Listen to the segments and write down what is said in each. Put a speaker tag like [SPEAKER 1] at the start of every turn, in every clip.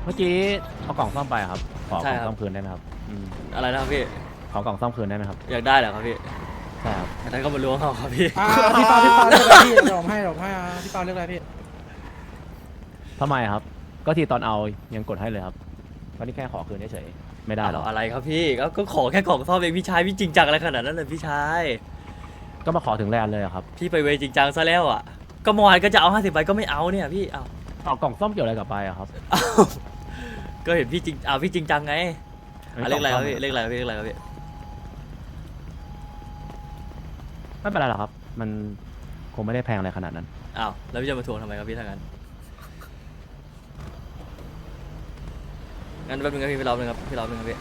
[SPEAKER 1] เมื่อกี้เอากล่องซ่อมไปครับขอกล่องซ่อมคืนได้ไหมครับ
[SPEAKER 2] อะไรนะครับพี่
[SPEAKER 1] ขอกล่องซ่อมคืนได้ไหมครับ
[SPEAKER 2] อยากได้เหรอครับพี่
[SPEAKER 1] ใช่ครับ
[SPEAKER 2] นั้นก็มาล้วงเอาครับพี่
[SPEAKER 3] พี่เปาเลือกอะไรพี่เดี๋ยวผมให้พี่เปาเลือกอะไรพี่
[SPEAKER 1] ทำไมครับก็ที่ตอนเอายังกดให้เลยครับก็นี่แค่ขอคืนเฉยๆไม่ได้หรอ
[SPEAKER 2] อะไรครับพี่ก็ขอแค่กล่องซ่อมเองพี่ชายพี่จริงจังอะไรขนาดนั้นเลยพี่ชาย
[SPEAKER 1] ก็มาขอถึงแลนด์เลยอะครับ
[SPEAKER 2] พี่ไปเวจริงจังซะแล้วอ่ะก็เมื่อวานก็จะเอา50ใบก็ไม่เอาเนี่ยพี่เอา
[SPEAKER 1] เอากล่องซ่อมเกี่ยวอะไรกับไปอะครับ
[SPEAKER 2] ก็เห็นพี่จริงพี่จริงจังไงเลขอะไรครับพี่เลขอะไรครับพี่เลขอะไรครับพี่
[SPEAKER 1] ไม่เป็นไรหรอกครับมันคงไม่ได้แพงอะไรขนาดนั้น
[SPEAKER 2] อ้าวแล้วพี่จะมาทวงทำไมครับพี่ถ้างั้นงั้นแป๊บนึงครับพี่รอบนึงครับพี่รอบนึงครับพี่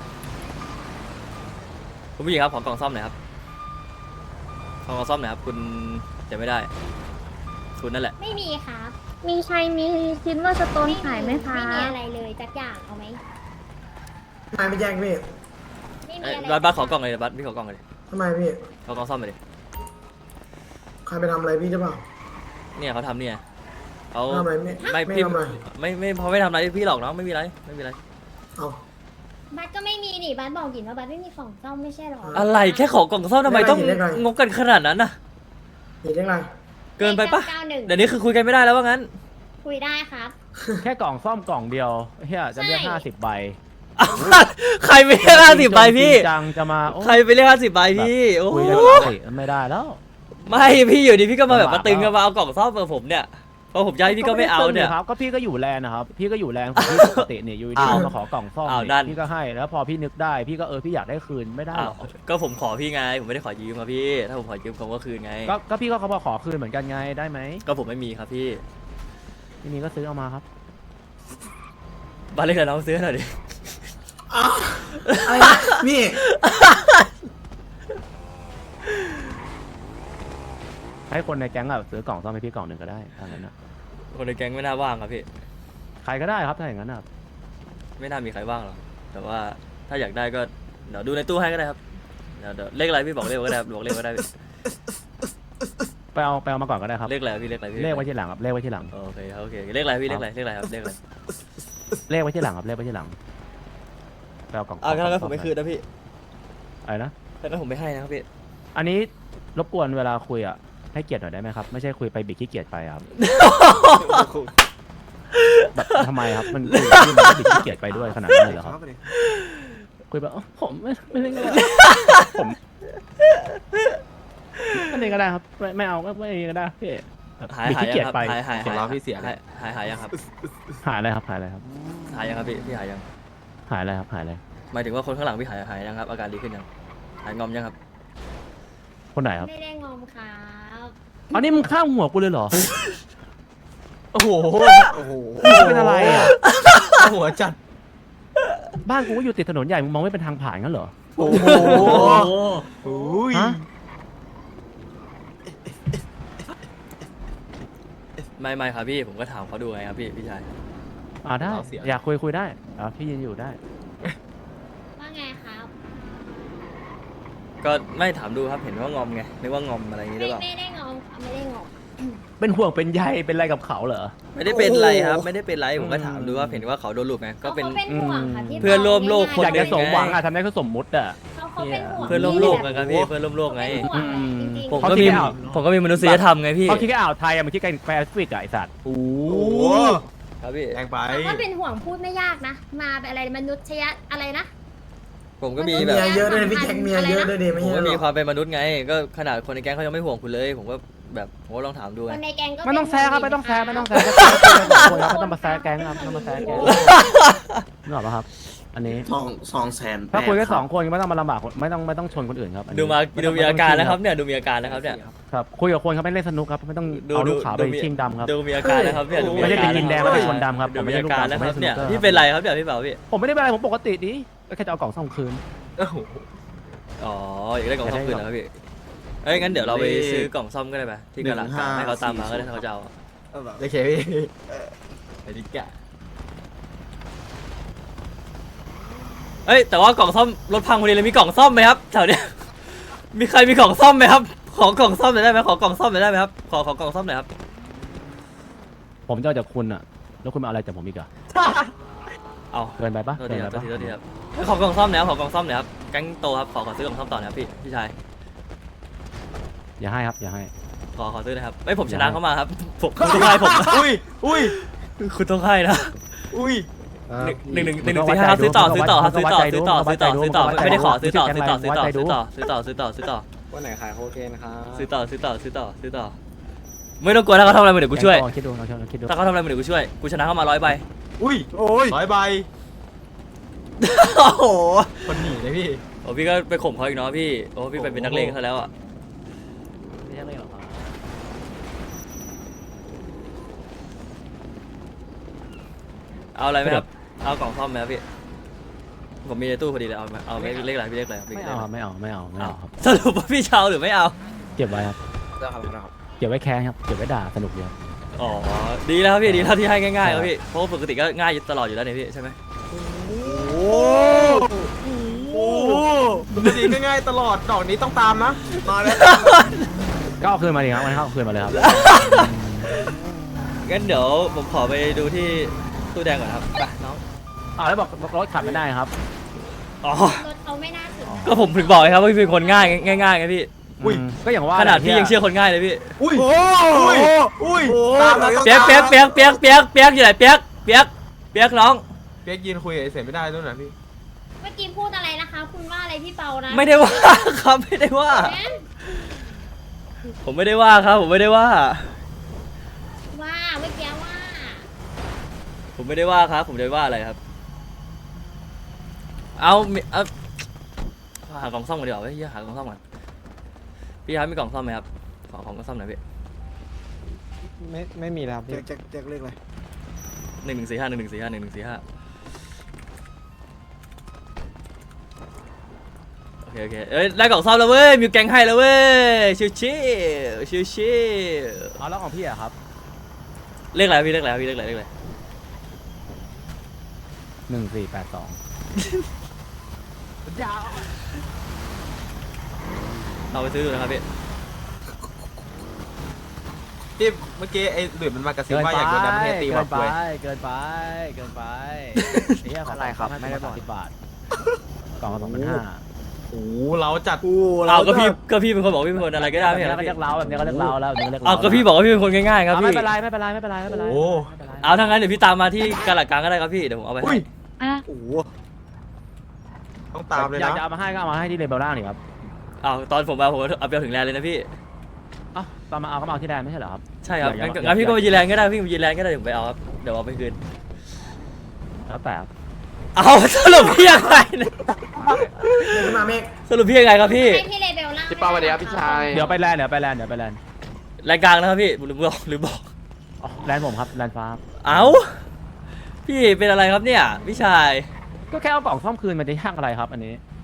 [SPEAKER 2] คุณผู้หญิงครับขอกล่องซ่อมหน่อยครับขอกล่องซ่อมหน่อยครับคุณจะไม่ได้คุณนั่นแหละ
[SPEAKER 4] ไม่มีครับ
[SPEAKER 5] มีชัยมีซิลเวอร์สโตนขายไหมคะ
[SPEAKER 4] ไม่มีอะไรเลยจักอย่างเอาไหม
[SPEAKER 3] ทำไมไม่แจ้งพี่
[SPEAKER 4] ไม่มีอะไร
[SPEAKER 2] บัสขอกล่องเลยบัสพี่ขอกล่องเลย
[SPEAKER 3] ทำไมพี่
[SPEAKER 2] ขอกล่องซ่อมไปดิ
[SPEAKER 3] ใครไปทำอะไรพี่ใช่เปล่า
[SPEAKER 2] เนี่ยเขาทำเนี่ยเขา
[SPEAKER 3] ทำอะไรไม่
[SPEAKER 2] ไม่พี่
[SPEAKER 3] ทำอะไร
[SPEAKER 2] ไม่พอไม่ทำอะไรพี่หรอกน้องไม่มีไรไม่มีไร
[SPEAKER 3] เอา
[SPEAKER 4] บัสก็ไม่มีนี่บัสบอกหยินว่าบัสไม่มีของซ่อมไม่ใช่หรอ
[SPEAKER 2] อะไรแค่ขอกล่องซ่อมทำไมต้องงกกันขนาดนั้นน่ะ
[SPEAKER 3] เห็นยังไง
[SPEAKER 2] เกินไปปะ
[SPEAKER 4] 91
[SPEAKER 2] เดี๋ยวนี้คือคุยกันไม่ได้แล้วว่างั้น
[SPEAKER 4] คุยได้ครับ
[SPEAKER 1] แค่กล่องซ่อมกล่องเดียวเฮียจะเรียก
[SPEAKER 4] ใช่
[SPEAKER 1] 50ใบ
[SPEAKER 2] ใครไปเรียก50ใบพี่
[SPEAKER 1] จริงจังจะมาโอ้
[SPEAKER 2] ใครไปเรียก50ใบพี่โอ้
[SPEAKER 1] คุย
[SPEAKER 2] โห
[SPEAKER 1] กันปกติไม่ได้แล้ว
[SPEAKER 2] ไม่พี่อยู่ดีพี่ก็มาแบบมาตึง
[SPEAKER 1] ลำบาก
[SPEAKER 2] กันมาเอากล่องซ่อมกับผมเนี่ยพอผมย้ายพี่ก็ไม่เอาเนี่ย
[SPEAKER 1] ครับก็พี่ก็อยู่แลนด์นะครับพี่ก็อยู่แลนด์ของพี่ปกติเนี่ยอยู่ดี
[SPEAKER 2] อ้าว
[SPEAKER 1] มาขอกล่องซ่อม
[SPEAKER 2] อ้าว
[SPEAKER 1] นี่
[SPEAKER 2] นั่น
[SPEAKER 1] พี่ก็ให้แล้วพอพี่นึกได้พี่ก็พี่อยากได้คืนไม่ได้
[SPEAKER 2] อ้า
[SPEAKER 1] ห
[SPEAKER 2] ว
[SPEAKER 1] รอก
[SPEAKER 2] ก็ผมขอพี่ไงผมไม่ได้ขอยืมครับพี่ถ้าผมขอยืมผมก็คืนไง
[SPEAKER 1] ก็พี่ก็เขาบอกขอคืนเหมือนกันไงได้ไหม
[SPEAKER 2] ก็ผมไม่มีครับพี่
[SPEAKER 1] ที่นี่ก็ซื้อเอามาครับ
[SPEAKER 2] บ้านเล็กกับน้องซื้อหน่อยดิ
[SPEAKER 3] อะไรพี่
[SPEAKER 1] ให้คนในแก๊งซื้อกล่องซ่อมให้พี่กล่องหนึ่งก็ได้ถ้างั้นนะ
[SPEAKER 2] คนในแก๊งไม่น่าว่างครับพี่
[SPEAKER 1] ใครก็ได้ครับถ้าอย่างนั้นนะ
[SPEAKER 2] ไม่น่ามีใครว่างหรอกแต่ว่าถ้าอยากได้ก็เดี๋ยวดูในตู้ให้ก็ได้ครับเดี๋ยวเลขอะไรพี่บอกเลขก็ได้บอกเลขก็ได้พี่
[SPEAKER 1] ไปเอามาก่อนก็ได้ครับ
[SPEAKER 2] เลขอะไรพี่เลขอะไรพี่
[SPEAKER 1] เลขไว้ที่หลังครับเลขไว้ที่หลัง
[SPEAKER 2] โอเคครับโอเคเลขอะไรพี่เลขอะไรเลขอะไรครับเลขอะไร
[SPEAKER 1] เลขไว้ที่หลังครับเลขไว้ที่หลังไปเอากล่อง
[SPEAKER 2] งั้นผมไม่คืนนะพี่
[SPEAKER 1] อะไรนะ
[SPEAKER 2] งั้นผมไม่ให้นะครับพี่
[SPEAKER 1] อันนี้รบกวนเวลาคุยอ่ะให้เกียรติหน่อยได้ไหมครับไม่ใช่คุยไปบิดขี้เกียจไปครับ แบบทำไมครับมันคุยกับพี่มันก็บิดขี้เกียจไปด้วยขนาดนั้นเลยเหรอครับคุยแบบผมไม่ได้ก็ได้ผมไม่ได้ก็ได้ครับไม่เอาไม่ได้ก็ได้พี่แบบ
[SPEAKER 2] หาย
[SPEAKER 1] บิด
[SPEAKER 2] หาย
[SPEAKER 1] ขี้เกียจไป
[SPEAKER 2] หายหาย
[SPEAKER 6] เสียงเราพี่เสีย
[SPEAKER 2] หายยังครับ
[SPEAKER 1] หายอะไรครับหายอะไรครับ
[SPEAKER 2] หายยังครับพี่หายยัง
[SPEAKER 1] หายอะไรครับหายอะไร
[SPEAKER 2] หมายถึงว่าคนข้างหลังพี่หายยังครับอาการดีขึ้นยังหายงอมยังครับ
[SPEAKER 1] คนไหนครับ
[SPEAKER 4] ไม่ได้งอมครับ
[SPEAKER 1] อันนี้มึงข้ามหัวกูเลยเหรอ
[SPEAKER 2] โอ้โห
[SPEAKER 6] โอ้โห
[SPEAKER 1] มึงเป็นอะไรอ่ะ
[SPEAKER 6] หัวจัด
[SPEAKER 1] บ้านกูก็อยู่ติดถนนใหญ่มึงมองไม่เป็นทางผ่านงั้นเหรอ
[SPEAKER 6] โอ้โหโอ้ย
[SPEAKER 1] ฮะ
[SPEAKER 2] ไม่ครับพี่ผมก็ถามเขาดูไงครับพี่ชาย
[SPEAKER 1] ได้อยากคุยได้พี่ยืนอยู่ได้
[SPEAKER 4] ว่าไงครับ
[SPEAKER 2] ก็ไม่ถามดูครับเห็นว่างอมไงนึกว่างอมอะไรอย่างนี้หรือเปล่า
[SPEAKER 4] ไม่ได้งอมครับไม่ได้งอม
[SPEAKER 1] เป็นห่วงเป็นใยเป็นอะไรกับเขาเหรอ
[SPEAKER 2] ไม่ได้เป็นไรครับไม่ได้เป็นไรผมก็ถามดูว่าเห็นว่าเขาโดนลูกไงก็เป็น
[SPEAKER 4] เขาเป็นห่วงค่ะพี่
[SPEAKER 2] เพื่อนร่วมโลก
[SPEAKER 4] ง่ายๆ
[SPEAKER 2] คน
[SPEAKER 1] อยากจะสมหวังทำได้ก็สมมุติอ่ะ
[SPEAKER 4] เขาเป็นห่วง
[SPEAKER 2] เพื่อนร่วมโลกไงครับพี่เพื่อนร่วมโลกไง
[SPEAKER 4] เขาเป็นห่วงจริงๆ
[SPEAKER 2] ผม
[SPEAKER 1] เขา
[SPEAKER 2] ก็
[SPEAKER 1] คิด
[SPEAKER 2] มี
[SPEAKER 1] ไม่ออก
[SPEAKER 2] ผมก็มีมนุษยธรรมไงพี่
[SPEAKER 1] เขาคิดแค่อ่าวไทยมันคิดแค่แปซิฟิกอะไอสัตว์
[SPEAKER 6] โอ้
[SPEAKER 2] ครับพี่
[SPEAKER 6] แรงไป
[SPEAKER 4] เขาก็เป็นห่วงพูดไม่ยากนะ มาแบบอะไรมนุษยอะไรนะ
[SPEAKER 2] ผมก็มี
[SPEAKER 3] เมี
[SPEAKER 2] แบบ
[SPEAKER 3] ยเยอะด้วยพี่แจ็คเมียเยอะด้วยเดไม่
[SPEAKER 2] ผม
[SPEAKER 3] ใช่
[SPEAKER 2] ก็
[SPEAKER 3] หร
[SPEAKER 2] มี
[SPEAKER 3] อ
[SPEAKER 2] ความเป็นมนุษย์ไง ก็ขนาดคนในแก๊งเขายังไม่ห่วงคุณเลย ผมก็แบบผมก็ลองถามดู
[SPEAKER 4] ค
[SPEAKER 2] ไง
[SPEAKER 4] นในแกงก็
[SPEAKER 1] ไม่ต้องแซะครับ
[SPEAKER 4] เป็น
[SPEAKER 1] ไม่ต้องแซะ
[SPEAKER 4] ห่ว
[SPEAKER 1] ไม่
[SPEAKER 4] ง
[SPEAKER 1] ต้อง
[SPEAKER 4] ค
[SPEAKER 1] แซะ
[SPEAKER 4] รับ
[SPEAKER 1] ไม่ต้องมาแซะแก๊งครับไม่ต้องมาแซะแก๊งนึกออกปะครับ อันนี้
[SPEAKER 6] 200,000
[SPEAKER 1] ถ้าคุยแค่2 คนไม่ต้องมาลำบากไม่ต้องชนคนอื่นครับอันนี้
[SPEAKER 2] ดูมีอาการนะครับเนี่ยดูมีอาการนะครับเนี่ย
[SPEAKER 1] ครับคุยกับคนครับไม่เล่นสนุกครับไม่ต้องเอาลูกขาวไปชิงดำครับ
[SPEAKER 2] ดูมีอาการนะครับเนี่ย
[SPEAKER 1] ไม่ใช่เป็นดินแดงไม่ใช่คนดำครับ
[SPEAKER 2] ดู
[SPEAKER 1] ผมไม่
[SPEAKER 2] มี
[SPEAKER 1] ใช่
[SPEAKER 2] อา
[SPEAKER 1] ลูก
[SPEAKER 2] การ
[SPEAKER 1] ดำ
[SPEAKER 2] นะ
[SPEAKER 1] ผม
[SPEAKER 2] ค
[SPEAKER 1] ไม่
[SPEAKER 2] รับ
[SPEAKER 1] ใช่สนุ
[SPEAKER 2] เนี่
[SPEAKER 1] ก
[SPEAKER 2] ย
[SPEAKER 1] เกอร์
[SPEAKER 2] พี่เป็นไรครับเนี่ยพี่เปาพี่
[SPEAKER 1] ผมไม่ได้เป็นอะไรผมปกติดิแค่จะเอากล่องซ่อมคืน
[SPEAKER 2] อ๋ออยากได้กล่องซ่อมคืนนะครับพี่เอ้ยงั้นเดี๋ยวเราไปซื้อกล่องซ่อมก็ได้ไหมที่กระหลังให้เขาตามมาก็ได้ถ้าเขาจะเอา
[SPEAKER 6] โอเคพี่ไอ้ดิกะ
[SPEAKER 2] เอ้ยแต่ว่ากล่องซ่อมรถพังพอดีเลยมีกล่องซ่อมไหมครับแถวเนี้ยมีใครมีกล่องซ่อมไหมครับขอกล่องซ่อมหน่อยได้ไหมขอกล่องซ่อมหน่อยได้ไหมครับขอกล่องซ่อมหน่อยครับ
[SPEAKER 1] ผมจะเอาจากคุณอะแล้วคุณมาเอาอะไรจากผมอีกอะ
[SPEAKER 2] เอา
[SPEAKER 1] เกินไปปะ
[SPEAKER 2] โทษ
[SPEAKER 1] เกิ
[SPEAKER 2] ที
[SPEAKER 1] น
[SPEAKER 2] ครับ
[SPEAKER 1] ไป
[SPEAKER 2] โทษ
[SPEAKER 1] ปะ
[SPEAKER 2] ทีครับขอกล่องซ่อมหน่อยครับขอกล่องซ่อมหน่อยครับแก๊งโตครับขอซื้อกล่องซ่อมต่อนะครับพี่ชาย
[SPEAKER 1] อย่าให้ครับอย่าให้
[SPEAKER 2] ขอซื้อนะครับไม่ผมชนะเข้ามาครับผมคุณต้องให้ผม
[SPEAKER 6] อุ้ย
[SPEAKER 2] คุณต้องให้นะ
[SPEAKER 6] อุ้ย
[SPEAKER 2] หนึ่งสี่ห้าซื้อต่อครับซื้อต่อไม่ได้ขอซื้อต่อ
[SPEAKER 3] วันไหนขายโคเคนครับ
[SPEAKER 2] ซื้อต่อไม่ต้องกลัวถ้าเขาทำอะไรมาเดี๋ยวกูช่วย
[SPEAKER 1] ลองคิดดูลองคิดดู
[SPEAKER 2] ถ้าเขาทำอะไรมาเดี๋ยวกูช่วยกูชนะเข้ามา100 ใบ
[SPEAKER 6] อุ้ยโอ้ย100 ใบ
[SPEAKER 2] โอ้โห
[SPEAKER 6] คนหนีเลยพี่
[SPEAKER 2] โอ้พี่ก็ไปข่มเขาอีกเนาะพี่โอ้พี่เป็นนักเลงซะแล้วอ่ะ
[SPEAKER 1] ไม่ใช่เลยหรอครับ
[SPEAKER 2] เอาอะไรไหมครับเอากล่องซ่อมไหมครับพี่ผมมีในตู้พอดีเลยเอาไม่เลขอะไรพี่เลขอะไร
[SPEAKER 1] ไม่เอาครับไม่เอาครับ
[SPEAKER 2] สรุปว่าพี่เชาหรือไม่เอา
[SPEAKER 1] เก็บไว้ครับ
[SPEAKER 3] ได้ครับได้ครับ
[SPEAKER 1] เก็บไว้แค้นครับเก็บไว้ด่าสนุกดีครับ
[SPEAKER 2] อ๋อดีแล้วครับพี่ดีแล้วที่ให้ง่ายๆครับพี่เพราะว่าปกติก็ง่ายตลอดอยู่แล้วเนี่ยพี่ใช่ไหม
[SPEAKER 6] โอ้ปกติก็ง่ายตลอดดอกนี้ต้องตามนะมาแล้ว
[SPEAKER 1] ก็เอาคืนมาดิครับงั้นเอาคืนมาเลยครับ
[SPEAKER 2] งั้นเดี๋ยวผมขอไปดูที่ตู้แดงก่อนครับไปน้อง
[SPEAKER 1] แล้วบอกรถขับไม่ได้ครับ
[SPEAKER 2] อ๋อ
[SPEAKER 4] รถเขาไม่น่าถึงนะ
[SPEAKER 2] ก็ผมถึงบอกไงครับว่าพี่เป็นคนง่ายไงพี่
[SPEAKER 6] อุ้ย
[SPEAKER 1] ก็อย่างว่า
[SPEAKER 2] ขนาดพี่ยังเชื่อคนง่ายเลยพี่
[SPEAKER 6] อุ้ยอุ้ยตามนะ
[SPEAKER 2] เปียกอยู่ไหนเปียกน้อง
[SPEAKER 6] เปียกยืนคุยกับไอ้เสร็จไม่ได้ด้วยนะพี่
[SPEAKER 4] เมื่อกี้พูดอะไรนะคะ คุณว่าอะไรพี่เปานะ
[SPEAKER 2] ไม่ได้ว่าครับไม่ได้ว่า
[SPEAKER 4] นะ
[SPEAKER 2] ผมไม่ได้ว่าครับผมไม่ได้ว่า
[SPEAKER 4] ว่าเมื่อกี้ว่า
[SPEAKER 2] ผมไม่ได้ว่าครับผมไม่ได้ว่าอะไรครับเอาหากล่องซ่อมกันดีกว่าเฮ้ยหากล่องซ่อมกันพี่ครับมีกล่องซ่อมไหมครับขอของกล่องซ่อมหน่อยพี่
[SPEAKER 3] ไม่มีแล้วพี่
[SPEAKER 6] แจ็คเรียกอะไร
[SPEAKER 2] 11451145114โอเคเอ้ยได้กล่องซ่อมแล้วเว้ยมีแกงให้แล้วเว้ยชิว
[SPEAKER 1] เอาแล้วของพี่อะครับ
[SPEAKER 2] เลขอะไรพี่เลขอะไรพี่เลขอะไร
[SPEAKER 1] 1482
[SPEAKER 2] เอาไปซื้อดูนะครับพี่
[SPEAKER 6] ที่เมื่อกี้ไอ้หลุยมันมากระซิบว่าอยากโดนดัมเทตีวับด้วย
[SPEAKER 1] เกินไปนี่อะไรครับไม่ได้บอก10 บาทกล่องละ2,500
[SPEAKER 6] โอ้เราจัด
[SPEAKER 2] เอาก็พี่เป็นคนบอกพี่เป็นคนอะไรก็ได้ไม่
[SPEAKER 1] แบบ
[SPEAKER 2] ใช่
[SPEAKER 1] นี้
[SPEAKER 2] เหรอ
[SPEAKER 1] ก็
[SPEAKER 2] พี่
[SPEAKER 1] เรียกเราแบบนี้ก็เรียกเราแล้วแบบนี้ก็เรียกเรา
[SPEAKER 2] เอาก็พี่บอกว่าพี่เป็นคนง่ายๆครับ
[SPEAKER 1] ไม่
[SPEAKER 2] พี่
[SPEAKER 1] เป็นไรไม่เป็นไร
[SPEAKER 6] โอ้
[SPEAKER 2] เอาถ้างั้นเดี๋ยวพี่ตามมาที่กาลาดกลางก็ได้ครับพี่เดี๋ยวผมเอาไป
[SPEAKER 6] อุ้
[SPEAKER 2] ให้
[SPEAKER 6] ย
[SPEAKER 5] อ่ะ
[SPEAKER 6] โอ้ต้องตามเลย
[SPEAKER 1] อยาก
[SPEAKER 6] นะ
[SPEAKER 1] จะเอามาให้ก็เอามาให้ที่เลเบลล่างนี่ครับ
[SPEAKER 2] เอาตอนผมเอาไปถึงแลนด์เลยนะพี่
[SPEAKER 1] อ้าวตอนมาเอาก็มาเอาที่แดนไม่ใช่เหรอครับ
[SPEAKER 2] ใช่ครับ
[SPEAKER 1] อย่า
[SPEAKER 2] งั้นพี่ก็ไปยีแลนด์ก็ได้พี่ไปยีแลนด์ก็ได้เดี๋ยวผมไปเอาครับเดี๋ยวเอาไปคืน
[SPEAKER 1] แล้วแต่ครับ
[SPEAKER 2] เอาสรุปพี่ยังไงเนี่ย
[SPEAKER 6] มาเมฆ
[SPEAKER 2] สรุปพี่ยังไงครับพี่
[SPEAKER 4] ให้พี่เลเบลล่าง
[SPEAKER 3] พี่เปาสวัสดีครับพี่ชาย
[SPEAKER 1] เดี๋ยวไปแลนด์
[SPEAKER 2] รายกลางนะครับพี่หรือบอก
[SPEAKER 1] อ๋อแลนด์ผมครับแลนด์ฟ้าครับ
[SPEAKER 2] เอาพี่เป็นอะไรครับเนี่ยพี่ชาย
[SPEAKER 1] ก็แค่เอากล่องซ่อมคืนมันจะยากอะไรครับอันนี้